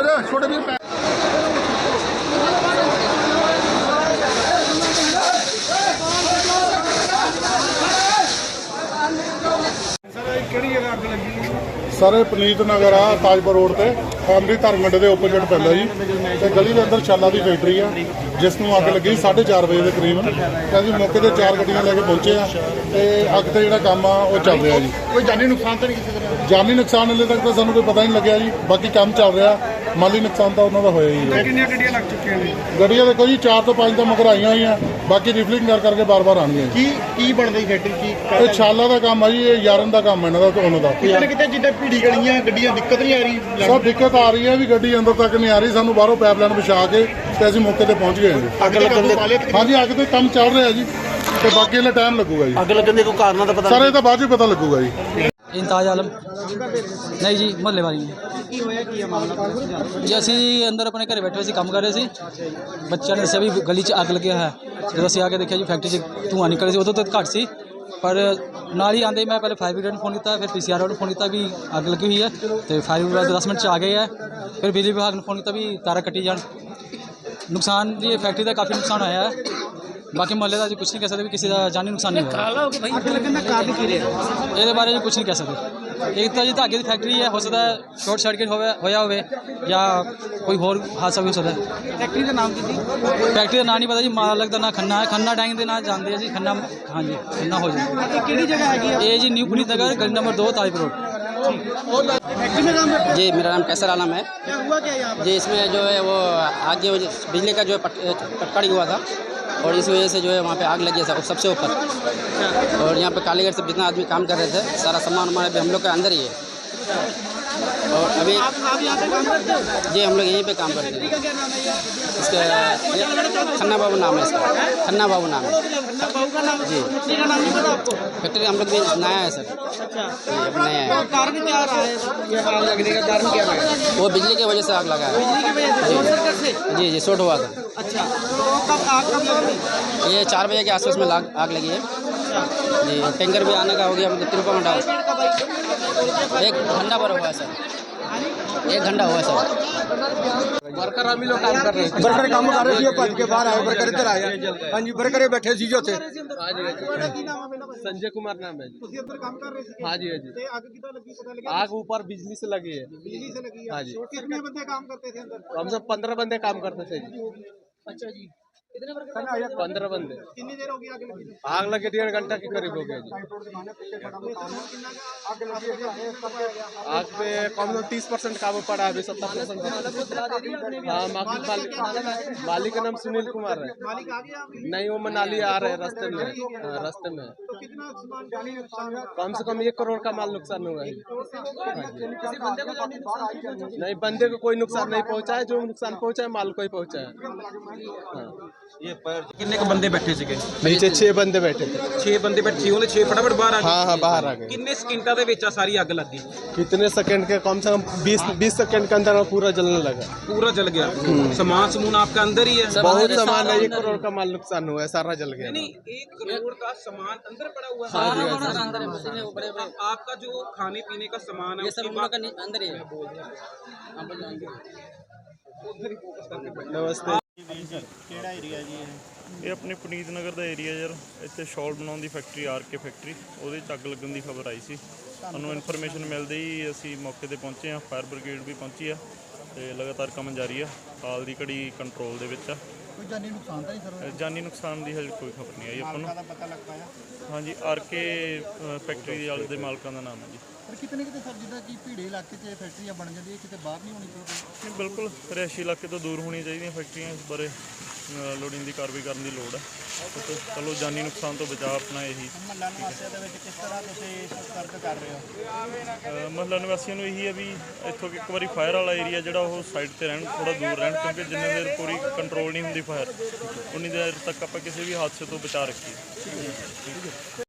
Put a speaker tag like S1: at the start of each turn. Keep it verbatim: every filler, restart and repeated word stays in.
S1: छोटे भी सर पनीत नगर आ ताजपुर रोड से फैमिली धर्म मंडी के ओपोजिट पैंदा जी ते गली के अंदर छाला की फैक्ट्री है जिसनों अग लगी साढ़े चार बजे के करीबन अभी मौके पर चार गड्डियां लैके पहुंचे हैं तो अग से जो काम आ चल रहा जी। कोई जानी नुकसान तो नहीं किसी तरह? जानी नुकसान हाले तक तो सानू कोई पता नहीं लग्या जी, बाकी काम चल रहा। माली नुकसान तो उन्होंने होया ही है।
S2: कितनी गड्डियां लग चुकी हैं?
S1: गड्डियां देखो जी चार तो पाँच तो मगर आई हुई हैं, बाकी रिफलिंग कर करके बार बार आनी
S2: की की बनदी फैक्ट्री की
S1: ये छाला का काम है जी, ये यारन का काम है इन्हों का उन्हों का
S2: कितने कितने जिद्दां भीड़ी गलियां गड्डियां दिक्कत नहीं आ रही?
S1: सब दिक्कत आ रही है भी गड्डी अंदर तक नहीं आ रही, सानू बाहरों पैपलाइन बिछा के ते असीं मौके पर पहुंच गए हैं।
S2: अग लगन दे
S1: हाँ जी अग तो काम चल रहा है जी तो बाकी इन्हें टाइम लगूगा जी।
S2: अग लगन दे कोई कारण तो पता
S1: सर ये तो बाद में पता लगूगा जी।
S3: इंताज आलम नहीं जी मुहल्ले वाली है जी। ਅਸੀਂ ਅੰਦਰ ਆਪਣੇ ਘਰੇ ਬੈਠੇ ਸੀ ਕੰਮ ਕਰ ਰਹੇ ਸੀ, ਬੱਚਿਆਂ ਨੇ ਦੱਸਿਆ ਵੀ ਗਲੀ 'ਚ ਅੱਗ ਲੱਗਿਆ ਹੈ। ਜਦੋਂ ਅਸੀਂ ਆ ਕੇ ਦੇਖਿਆ ਜੀ ਫੈਕਟਰੀ 'ਚ ਧੂੰਆਂ ਨਿਕਲ ਰਿਹਾ ਸੀ, ਉਦੋਂ ਤਾਂ ਘੱਟ ਸੀ ਪਰ ਨਾਲ ਹੀ ਆਂਦੇ ਮੈਂ ਪਹਿਲੇ ਫਾਇਰ ਬ੍ਰਿਗੇਡ ਨੂੰ ਫੋਨ ਕੀਤਾ, ਫਿਰ ਪੀ ਸੀ ਆਰ ਨੂੰ ਫੋਨ ਕੀਤਾ ਵੀ ਅੱਗ ਲੱਗੀ ਹੋਈ ਹੈ ਤੇ ਫਾਇਰ ਬ੍ਰਿਗੇਡ ਦਸ ਮਿੰਟ 'ਚ ਆ ਗਏ ਹੈ। ਫਿਰ ਬਿਜਲੀ ਵਿਭਾਗ ਨੂੰ ਫੋਨ ਕੀਤਾ ਵੀ ਤਾਰਾਂ ਕੱਟੀ ਜਾਣ। ਨੁਕਸਾਨ ਜੀ ਫੈਕਟਰੀ ਦਾ ਕਾਫੀ ਨੁਕਸਾਨ ਹੋਇਆ ਹੈ, बाकी मोहल्ले का जी कुछ नहीं कह सकते भी किसी का जानी नुकसान नहीं हुआ। ये बारे में कुछ नहीं कह सकते। एक तो जी धागे की फैक्ट्री है, हो सकता है शॉर्ट सर्किट होया हो या कोई होर हादसा भी हो सकता है। फैक्ट्री का नाम की फैक्ट्री का नाम नहीं पता जी, मालक का ना खन्ना है, खन्ना टैंक के ना जानते हैं जी, खन्ना हाँ जी खन्ना हो जाए। कि जगह है ये जी न्यू पुनीत नगर गली नंबर दो ताजपुर रोड।
S4: जी मेरा नाम कैसर आलम है। क्या हुआ क्या यहाँ जी? इसमें जो है वो आग जो बिजली का जो पटकड़ी हुआ था और इस वजह से जो है वहाँ पे आग लगी है सबसे ऊपर। और यहाँ पे कालीगढ़ से जितना आदमी काम कर रहे थे सारा सामान हमारे भी हम लोग के अंदर ही है। और अभी आप, आप यहाँ पे काम करते हो? जी हम लोग यहीं पे काम करते हैं। क्या नाम है इसका? खन्ना बाबू नाम है इसका, खन्ना बाबू नाम है। खन्ना बाबू का नाम जी? का नाम नहीं पता आपको? फैक्ट्री हम लोग भी नया है सर। अच्छा जी नया है। कारण क्या रहा है ये आग लगने का कारण क्या है? वो बिजली की वजह से आग लगा है। बिजली की वजह से? शॉर्ट सर्किट से? जी जी शॉर्ट हुआ था। अच्छा तो कब आग कब लगी? ये चार बजे के आसपास में आग लगी है जी। टैंकर भी आने का हो गया मतलब तिरपा घंटा एक घंटा पर हुआ है सर, एक घंटा हुआ है सर।
S2: वर्कर हम लोग काम कर रहे हैं, वर्कर काम कर रहे थे भज के बाहर आए, वर्कर इधर आया हाँ जी, वर्कर बैठे सी जो थे। संजय कुमार नाम है जी। हाँ जी हाँ जी। आग ऊपर बिजली से लगी है। बिजली से लगी है हाँ जी। कितने बंदे काम करते थे अंदर? हम सब पंद्रह बंदे काम करते थे जी। अच्छा जी पंद्रह बंदे। कितनी देर हो गई आग लगी? आग लगे डेढ़ घंटा के करीब हो गया जी। आग पे कम से तीस परसेंट काबू पड़ा है, अभी सत्तर परसेंट। हाँ मालिक मालिक का नाम सुनील कुमार है। नहीं वो मनाली आ रहे हैं रास्ते में, रास्ते में। कम से कम एक करोड़ का माल नुकसान हुआ है। नहीं बंदे को कोई नुकसान नहीं पहुँचा है, जो नुकसान पहुँचा है माल को ही पहुँचा है।
S5: ये कितने के बंदे बैठे थे?
S2: नीचे छह बंदे बैठे थे।
S5: छह बंदे बैठे छे छे फटाफट बाहर आ गए।
S2: हाँ हाँ बाहर आ गए।
S5: कितने सेकंडा ਦੇ ਵਿੱਚ सारी आग लग गई?
S2: कितने सेकंड के? कम से कम बीस बीस सेकंड के अंदर पूरा जलने लगा।
S5: पूरा जल गया? सामान समून आपका अंदर ही है?
S2: बहुत सामान है, एक करोड़ का माल नुकसान हुआ है, सारा जल गया।
S5: नहीं एक करोड़ का सामान अंदर पड़ा हुआ
S4: है।
S5: आपका जो खाने पीने का सामान है
S4: ये सब अंदर ही है।
S2: नमस्ते।
S6: ਕਿਹੜਾ ਏਰੀਆ ਜੀ ਇਹ? ਇਹ ਆਪਣੇ ਪੁਨੀਤ ਨਗਰ ਦਾ ਏਰੀਆ ਯਾਰ, ਇੱਥੇ ਸ਼ਾਲ ਬਣਾਉਣ ਦੀ ਫੈਕਟਰੀ ਆਰ ਕੇ ਫੈਕਟਰੀ, ਉਹਦੇ 'ਚ ਅੱਗ ਲੱਗਣ ਦੀ ਖਬਰ ਆਈ ਸੀ ਸਾਨੂੰ। ਇਨਫੋਰਮੇਸ਼ਨ ਮਿਲਦੇ ਹੀ ਅਸੀਂ ਮੌਕੇ 'ਤੇ ਪਹੁੰਚੇ ਹਾਂ, ਫਾਇਰ ਬ੍ਰਿਗੇਡ ਵੀ ਪਹੁੰਚੀ ਆ ਅਤੇ ਲਗਾਤਾਰ ਕੰਮ ਜਾਰੀ ਆ। ਹਾਲ ਦੀ ਘੜੀ ਕੰਟਰੋਲ ਦੇ ਵਿੱਚ ਆ।
S1: ਕੋਈ ਜਾਨੀ ਨੁਕਸਾਨ ਤਾਂ ਨਹੀਂ ਸਰ?
S6: ਜਾਨੀ ਨੁਕਸਾਨ ਦੀ ਹਜੇ ਕੋਈ ਖਬਰ ਨਹੀਂ ਆਈ ਆਪਾਂ ਨੂੰ।
S1: ਪਤਾ ਲੱਗ ਪਾਇਆ?
S6: ਹਾਂਜੀ ਆਰ ਕੇ ਫੈਕਟਰੀ ਦੇ ਵਾਲੇ ਦੇ ਮਾਲਕਾਂ ਦਾ ਨਾਮ ਹੈ ਜੀ।
S1: ਪਰ ਕਿਤਨੇ ਕਿਤੇ ਸਰ ਜਿੱਦਾਂ ਕਿ ਭੀੜੇ ਇਲਾਕੇ 'ਚ ਫੈਕਟਰੀਆਂ ਬਣ ਜਾਂਦੀਆਂ, ਕਿਤੇ ਬਾਹਰ ਨਹੀਂ ਹੋਣੀ ਚਾਹੀਦੀ?
S6: ਨਹੀਂ ਬਿਲਕੁਲ ਰਿਹਾਇਸ਼ੀ ਇਲਾਕੇ ਤੋਂ ਦੂਰ ਹੋਣੀਆਂ ਚਾਹੀਦੀਆਂ ਫੈਕਟਰੀਆਂ। ਇਸ ਬਾਰੇ ਲੋੜੀਂਦੀ ਕਾਰਵਾਈ ਕਰਨ ਦੀ ਲੋੜ ਹੈ। ਚਲੋ ਜਾਨੀ ਨੁਕਸਾਨ ਤੋਂ ਬਚਾਅ ਆਪਣਾ ਇਹੀ।
S1: ਮਹੱਲਾ ਨਿਵਾਸੀਆਂ ਦੇ ਵਿੱਚ ਕਿਸ ਤਰ੍ਹਾਂ ਤੁਸੀਂ ਸਤਰਕ ਕਰ ਰਹੇ ਹੋ?
S6: ਮਹੱਲਾ ਨਿਵਾਸੀਆਂ ਨੂੰ ਇਹੀ ਹੈ ਵੀ ਇੱਥੋਂ ਇੱਕ ਵਾਰੀ ਫਾਇਰ ਵਾਲਾ ਏਰੀਆ ਜਿਹੜਾ ਉਹ ਸਾਈਡ 'ਤੇ ਰਹਿਣ, ਥੋੜ੍ਹਾ ਦੂਰ ਰਹਿਣ, ਕਿਉਂਕਿ ਜਿੰਨੇ ਦੇਰ ਪੂਰੀ ਕੰਟਰੋਲ ਨਹੀਂ ਹੁੰਦੀ ਫਾਇਰ ਉਨੀ ਦੇਰ ਤੱਕ ਆਪਾਂ ਕਿਸੇ ਵੀ ਹਾਦਸੇ ਤੋਂ ਬਚਾ ਰੱਖੀਏ।